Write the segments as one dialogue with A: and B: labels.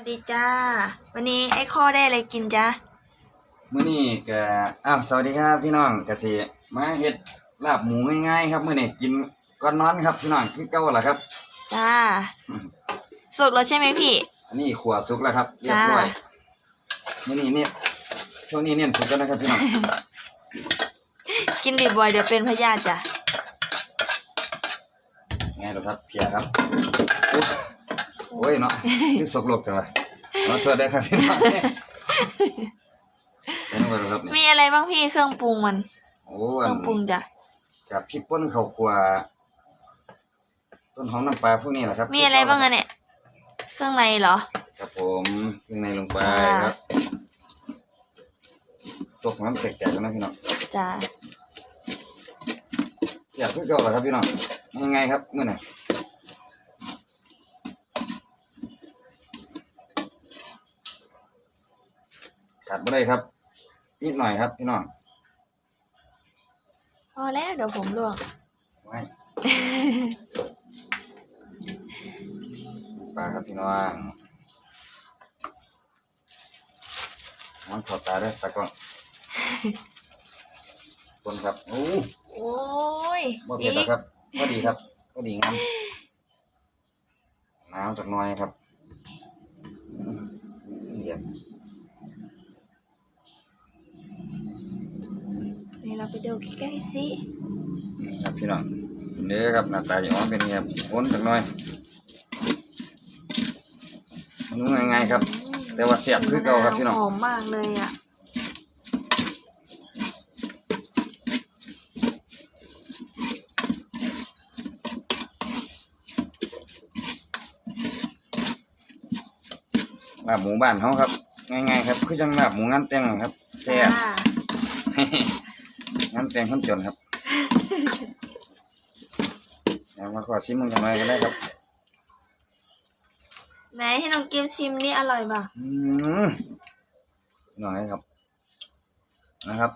A: ดีจ้าวันนี้ไอ้ข้อได้อะไรกินจ้า
B: มื้อนี้ก็สวัสดีครับพี่น้องก็สิมาเฮ็ดลาบหมูง่ายๆครับมื้อนี้กินก่อนนอนครับพี่น้องคือเก่าล่ะครับ
A: จ้าสุกแล้วใช่ไหมพี่
B: อันนี้ขัวสุกแล้วครับเรียบร้อยมื้อนี้เนี่ยช่วงนี้เน้นสุกแล้วนะครับพี่น้อง
A: กินดิบบ่อยเดี๋ยวเป็นพยาธิจ้ะ
B: ไงล่ะครับเพียครับโอ้ยเนาะคือสกโลกจังวะขอโทษด้วยครับพี่น้อง
A: มีอะไรบ้างพี่เครื่องปรุงมัน
B: โอ้
A: เครื่องปรุงจ้ะ
B: กับพริกป่นข้าวคั่วต้นหอมน้ำปลาพวกนี้แหละครับ
A: มีอะไรบ้างอะเนี่ยเครื่องในเหรอ
B: ครับผมเครื่องในลงไปครับตกน้ำแตกๆกันนะพี่น้อง
A: จ้า
B: อยากเพื่อเก่าเหรอครับพี่น้องยังไงครับเมื่อไหร่ขาดไม่ได้ครับนิดหน่อยครับพี่น้อง
A: พอแล้วเดี๋ยวผมลวก
B: ไว้ปลาครับพี่น้องมันขอตาด้วยตากล้องคนครับโอ้
A: ย
B: บ่เผ็ดหรอกครับก็ดีครับก็ดีงามน้ำจากน้อยครับเดี๋ยว
A: นี่เราไปดูใกล้ๆสิ
B: ครับพี่น้องนี่ครับหน้าตาอย่างนี้เป็นไงวนจากน้อยมันง่ายๆครับแต่ว่าเสียบคือเก่าครับพี่น้อง
A: หอมมากเลยอ่ะ
B: ลาบหมูบ้านเขาครับง่ายๆครับคือจังลาบหมูงานแต่งครับแซ่บงานแต่งคนจนครับมาขอชิมมึงอย่างไรก็ได้ครับ
A: ไหนให้น้องกิฟชิมนี่อร่อยป่ะ
B: หน่อยครับนะครับ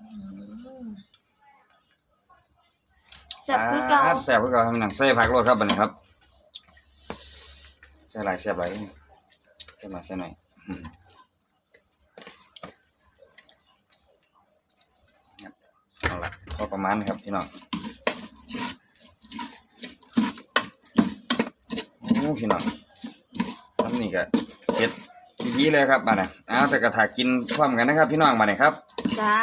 A: แซ่บคือเก่า
B: แซ่บคือเก่าครับหนังใส่ผักโรดครับบัดนี้ครับใส่หลายแซ่บหลายใส่มาใส่หน่อยเอาละพอประมาณครับพี่น้องโอ้พี่น้องทำนี่ก็เสร็จดีเลยครับมาเนี่ยแต่กระถากินพร้อมกันนะครับพี่น้องมาเนี่ยครับ
A: จ้า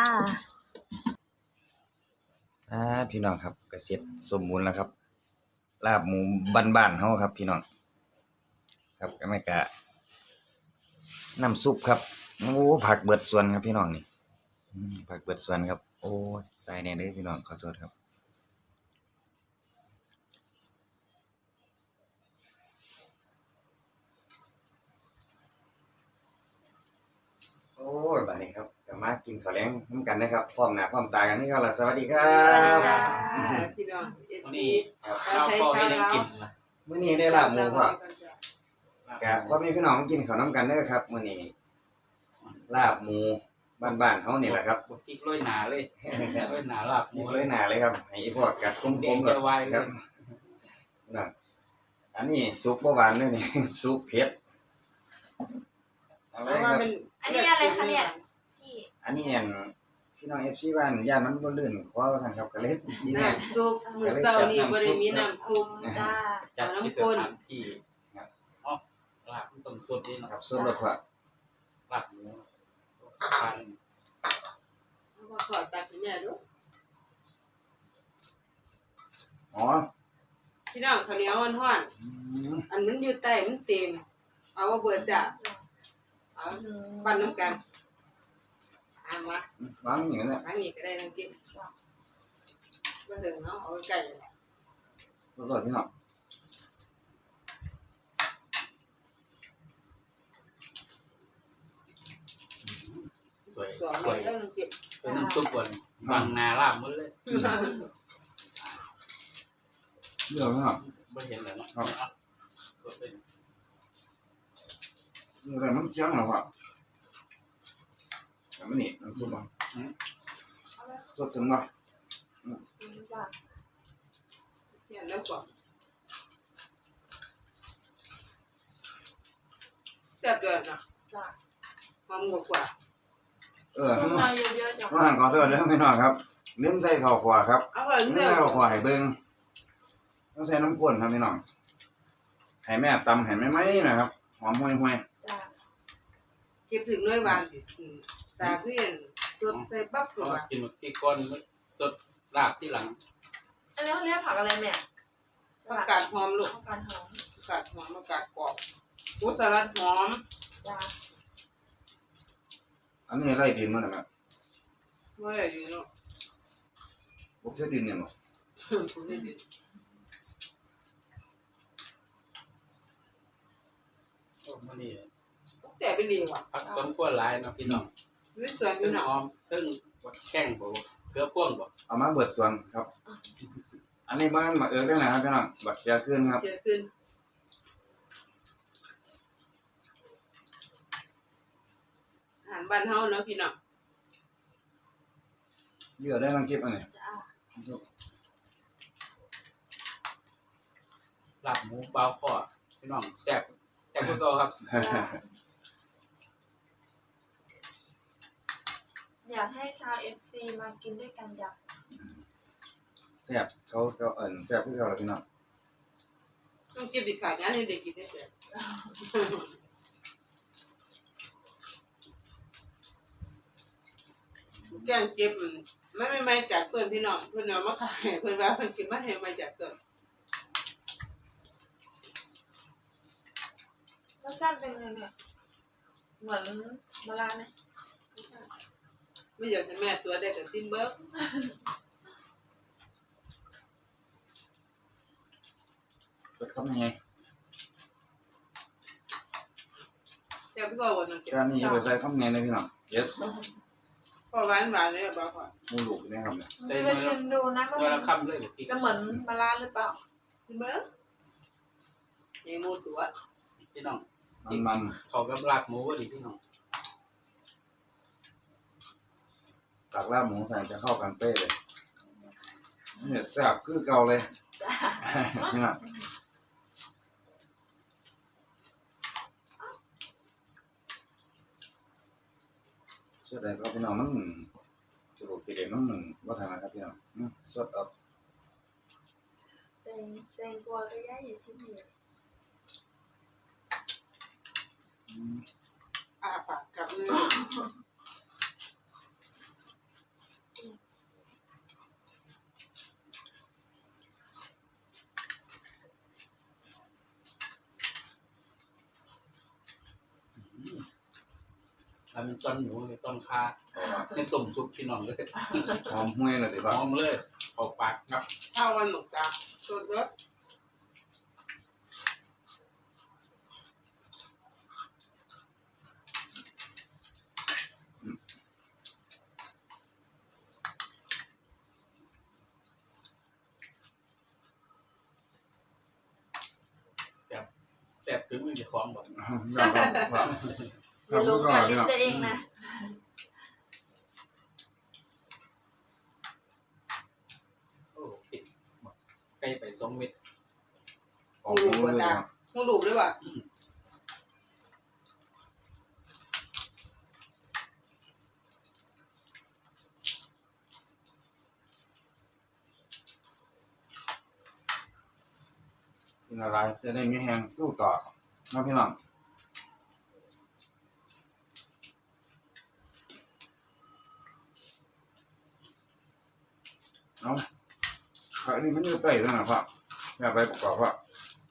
B: พี่น้องครับก็เสร็จสมบูรณ์แล้วครับลาบหมูบ้านๆเฮาครับพี่น้องครับก็ไม่กะน้ำซุปครับโอ้ผักเบิดส่วนครับพี่น้องนี่ผักเบิดส่วนครับโอ้ใส่แน่เลยพี่น้องขอโทษครับโอ้ยบัดนี้ครับจะมากินข้าวแลงน้ำกันนะครับพร้อมหน้าพร้อมตากันนี่ครับสวัสดีครับ
C: พี่น้อง
D: นี่ข้าวพ่อให้ได้กินนะ
B: มื้อนี้ได้ลาบหมูพ่อกับพ่อแม่พี่น้องกินข้าวน้ำกันเด้อครับมื้อนี้ลาบหมูบ้านๆเขานี่แหละครับ
D: บดกิ๊กร้อยหนาเลยร้อยหนาลาบหมู
B: นี่เลยหนาเลยครับให้พวกกัดกลมๆครับนั่นอันนี้ซุปบ่หวานเด้อนี่ซุปเผ็ด
A: อันนี้อะไรคะเนี่ยพี่
B: อันนี้พี่น้อง FC บ้านย่านมันบ่ลื่นขอว่าซั่นครับก็เลยนี่แน่
C: น้ำซุปมื้อเช้านี้บ่ได้มีน้ำซุป
A: จ้า
D: จัดที่สถานที่ลาบต้มสดนี่
B: นะครับซุปแล้วก็
D: ลาบหมูพัน
C: มาขอตักให้แม่ดูพี่น้องข้าวเหนียวฮ้อนๆอันมันอยู่ใต้มันเต็มเอาว่าเบิดจ้ะเอาปั่นน้ำกันมาว
B: างอย่างนั้นแหละ
C: อันนี้ก็ได้น้ำกินมาถึงเนาะเอาไก่
B: อร่อยพี่น้อง
D: สวยเป็นน้ำซุปก่อนบางนาลาบหมดเลย
B: เดี๋ยวพี่น้อง
D: ไม่เห็นเลยเนาะสดเลย
B: อะไรมันเคี้ยวหรอวะมันนี่น้ำซุปอ่ะสดถึงป่ะ
C: เนี่ยแล้วก่อนแซ่บด้วยนะ
A: จ้ะ
C: หอมกว่า
B: เออ
A: เครื่องในเยอะๆจ้ะ
B: ว่าหันขอโทษเด้อพี่น้องครับลืมใส่ข้าวคั่วครับ
C: อร่อย
B: ลืม
C: เนี่
B: ใส่
C: ย
B: ข้าวคั่วให้เบิ่งต้องใส่น้ำข้นครับพี่น้องให้แม่ตำให้แม่ไหมนะครับหอมห่วย
A: จ้ะ
C: เก็บถึงด้วยหวานสิตาเพื่อนสดใส่ปั๊บตัว
D: กินที่ก้อนสดลาบที่หลัง
A: อันนี้เขาเรียกผักอะไรแม่
C: ผักกาดหอมลูก
A: ผักกาดหอม
C: ผักกาดหอมผักกาดกรอบโอ้สลัดหอม
A: จ้ะ
B: ๆอันนี้ไล่ดินมานะครับ
C: ว่าอะไรอยู่เนาะ
B: บ่ใช่ดินเนี่ยบ่
C: คุณไม่ดี
D: โอ้มื้อนี้
C: แต่เป็นดีว่ะ
D: ผักสมควรหลายเนาะพี่น้อง
C: นี่สวยอ
D: เพิ่
C: ยู่
D: ง
C: เนาะ
D: หอมเพิ่งแข้งบ่เกลือพ่วงบ่
B: เอามาเบิดส่วนครับ อันนี้บ้านมาเอิ้นได้นะครับพี่น้องบักเจียขึ้นครับ
C: เยอะขึ้นอาหารบ้านเฮาเนาะพี่น้อง
B: เยอะได้ทั้งคลิปอันนี้
A: จ้ะ
D: ลาบหมูเบาคอพี่น้องแซ่บแซ่บกว่าเก่าครับ
A: อยากให้ชาว FC มากินด้วยกันจ้ะ
B: แซ่บเขาแซ่บคือเขาล่ะพี่น้อง
C: ต้องเก็บอีกขายงานให้เด็กกินได้เถอะแกงเก็บมันไม่จากต้นพี่น้องเพิ่นเอามาขายเพิ่นว่าเพิ่นเก็บมาให้มาจากต้น
A: รสชาติเป็นไงเนี่ยเหมือนมะระไหมไม่ใช่
C: ไม่อยากให้แม่ตัวได้กับซิมเบิร์ก
B: เปิดคำยังไง
C: แซ่บก็วันนั้นเก็บ
B: จานนี้จะไปใส่คำยังไงนะพี่น้องเย็ด
C: พอหวานเลยบอกว่า
B: หมูลูกนี่ครับเนี่ย
A: จะไปชิมดูนะว่า
D: เมื่อ
A: มั
D: ละ
A: น
D: ค่ำเลยบ่พี่
A: จะเหมือนมะระหรือเปล่า
C: ซิมเบิร์กในหมูตัว
D: พี่น้อง
B: มัน
D: เขากับลาบหมูบ่ดีพี่น้อง
B: ตักลาบหมูใส่จะเข้ากันเป๊ะเลยเนี่ยแซ่บคือเก่าเลย
A: จ้ะ
B: นี่นะเชื่อได้ครับพี่น้องมันสรุปสิเด็ดมันว่าทางนะครับพี่น้องสดเอา
A: แตงกวาก็ย่าอย่าชิมเลย
C: อาปากกับมือ
D: อันเป็นต้นหมูเป็นต้นคาเป็นต้มซุปพี่น้องเลย
B: หอมห้วยเลยสิ
D: ห
B: ครับ
D: อมเลยเข้าปากครับ
C: ข้าววันหมกตาสดเบิร์ก
D: แซ่บแซ่บถึงมือเจ้าของบ่
A: อย่าลงกับลิ้นตัวเองนะ
D: โอ้ติดใกล้ไป2 เม็ด
B: ออกหมูเลยครับ
C: หมูดูบด้วยว่ะ
B: กินอะไรจะได้ไม่แห้งสู้ต่อนะพี่น้องเอาผักนี่มันอยู่ใต้แล้วนะพ่ออย่าไปประกอบว่า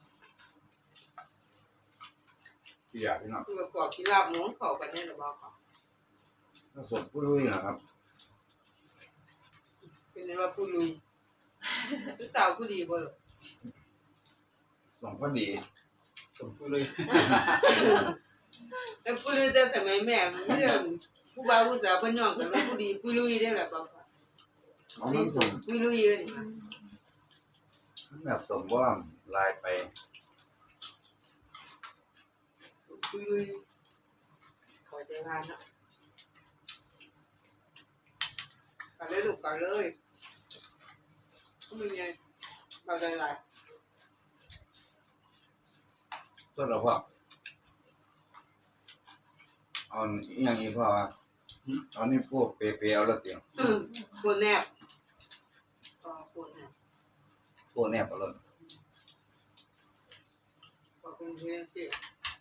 B: ที่อยากพี่น้อง
C: คือประกอบกินลาบหมูเข้ากันได้หรือเปล่าครับ
B: ถ้าสดผู้ลุยนะครับ
C: เป็นว่าผู้ลุยผู้สาวผู้ดีบ่หรอ
B: สองพอดี
D: ต้มเลย
C: แต่ผู้ลุยแต่สมัยแม่มันเรื่องผู้บ่าวผู้สาวเพิ่นย่องกันว่าผู้ดีผู้ลุยได้แหละเปล่าครับ
B: เอา
C: นี่
B: มัน
C: ส่
B: ส่
C: ง
B: ง
C: ผู้ลุยเลยนี่
B: แบบสมว่าลายไป
C: ผู้ลุยขอใจงานเนาะกันเลยลูกกันเลยก็มีไงเราได้หลาย
B: สดแล้วพ่อเอาอหย่างนี้พ่อว่าเอานี่พวกเปรย์ๆเอาและเตียง
C: ปวดแนบก็ปวดแนบ
B: พวกแนบเอาและ
C: ก็เป็นเรื่องที่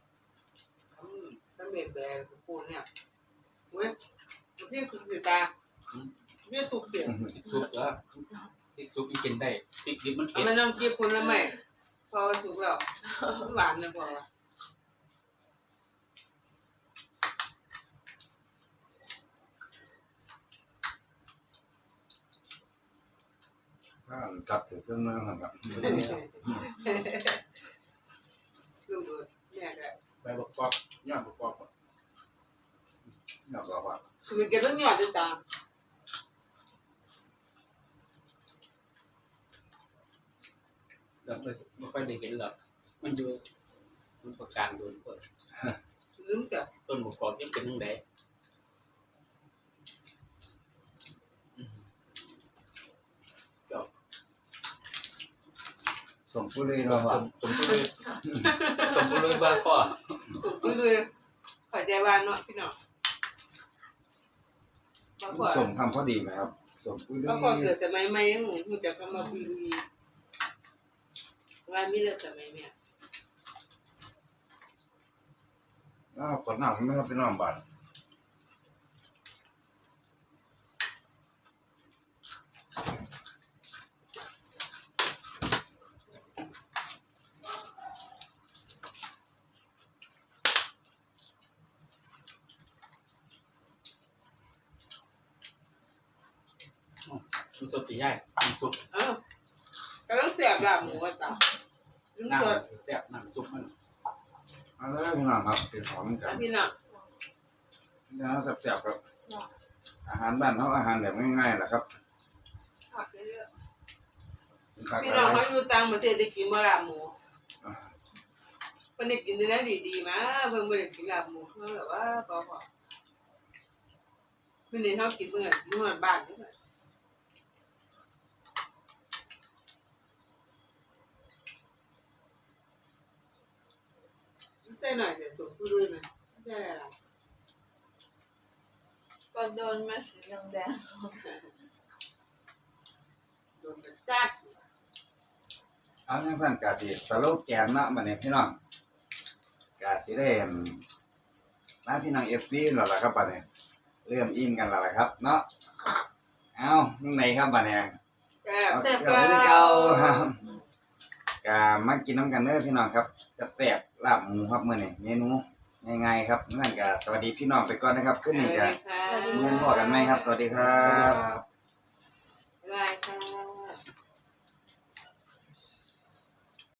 C: ทำแบบปวดแนบเว้ยเรียกสุกตาเรียกสุกเดียว
D: พริกซุปแล้วพริกซุปมันกินได้พริกดิบมัน
C: เอา
D: เผ็ด
C: มาน้ำจิ้มผลไม้พอสุกแล้วหวานนะพอ
B: ถ้าจับถือเครื่องมือครับ
C: ลูกเนี่ยก็
D: ใบประกอบยอดประกอบ
B: อยากบอกว่า
C: สุกเก็บต้องหยอดด้วยตา
D: แล้วไม่ค่อยได้เห็นหรอกมันอยู่มันประการโดนเปิด
C: ลืมจ้ะ
D: ต้นประกอบยังเป็นทั้งใดจบ
B: ส่งผู้เล่นเราว่า
D: สมบูรณ์สมบูรณ์บ้าข้อ
C: สุกเลยขอใจบ้านเนาะพี่น้องก็พอ
B: ส่งทำพอดีไหมครับส่งผู้เล่
C: ก็
B: น
C: พอเกิดสมัยใหม่ยังหูจะคำว่าปีลุยว่ามีเรื่องสมัยเนี่ย
B: กดหนังไม่ครับเป็นน้องบ้าน
D: มันสดตีใหญ่มันสุก
C: อ้าวกำลังเสียบลาบหมูว่าตาลืม
D: น้
C: สด
D: ำแซ่บน้ำซุปมัน
B: เอาเลยพี่น้องครับเป็นหอมกัน
C: พี่น้อง
B: นะแซ่บๆครับอาหารบ้านเขาอาหารแบบง่ายๆแหละครับ
A: ผักเยอะ
C: พี่น้องเขาอยู่ต่างประเทศได้กินลาบหมูเพิ่นได้กินเนื้อดีๆมาเพิ่นบ่ได้กินลาบหมูเพิ่นแบบว่าพอเพิ่นนี่เฮากินเพิ่นกินฮอดบ้านเด้อใส่หน่อยแต่สุกผู้ด้วยนะใส่อะไร
A: ๆก็โดนมาสีแดง
C: โดนจัด
B: เอาจังซั่นกะสิสโลแกนเนาะบัดนี้พี่น้องกะสิได้มาพี่น้อง FC แล้วล่ะครับบัดนี้เริ่มอิ่มกันแล้วล่ะครับเนาะเอาจังไดครับบัดนี้
C: แซ่บ
B: เอา
C: แซ่บ
B: เก่าคือเก่าครับกะมากินน้ำกันเด้อพี่น้องครับแซ่บๆลาบหมูครับมื้อนี้เมนูง่ายๆครับงั้นก็สวัสดีพี่น้องไปก่อนนะครับคืนนี้ก็
C: ค่ะ
B: มื้อนี้พอกันไหมครับสวัสดีครับ
C: บ๊ายบายค่ะ